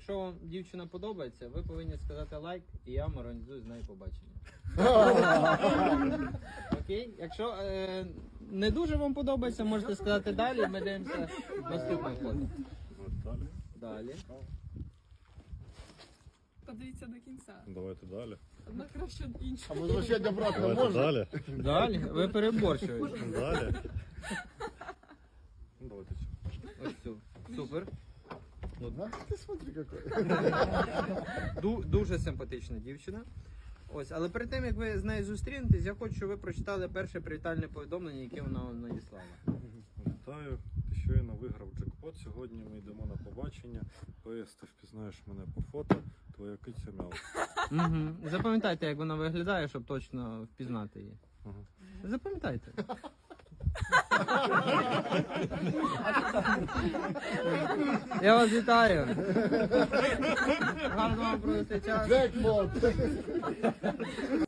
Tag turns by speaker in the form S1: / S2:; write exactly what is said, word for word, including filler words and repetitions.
S1: якщо вам дівчина подобається, ви повинні сказати лайк, і я вам організую з нею побачення. Окей? Якщо е, не дуже вам подобається, можете сказати далі, ми дивимося наступне фото.
S2: Далі.
S1: Далі.
S3: Подивіться до кінця.
S2: Давайте далі.
S3: Одна краще від іншої.
S4: А возвращать обратно
S2: Давайте
S4: можно?
S2: далі.
S1: Далі? Ви переборщуєте.
S2: Далі. Ну, давайте цю.
S1: Ось цю. Супер.
S4: Ага, ты смотри какой.
S1: Ду- дуже симпатична дівчина. Ось, але перед тим, як ви з нею зустрінетесь, я хочу, щоб ви прочитали перше привітальне повідомлення, яке вона вам надіслала.
S2: Вітаю, ти щойно виграв джекпот. Сьогодні ми йдемо на побачення. П С, ти впізнаєш мене по фото, твоя киця мяу.
S1: Угу. Запам'ятайте, як вона виглядає, щоб точно впізнати її.
S2: Ага.
S1: Запам'ятайте. Я вас вітаю. Гарно вам провести час.
S4: Джекпот.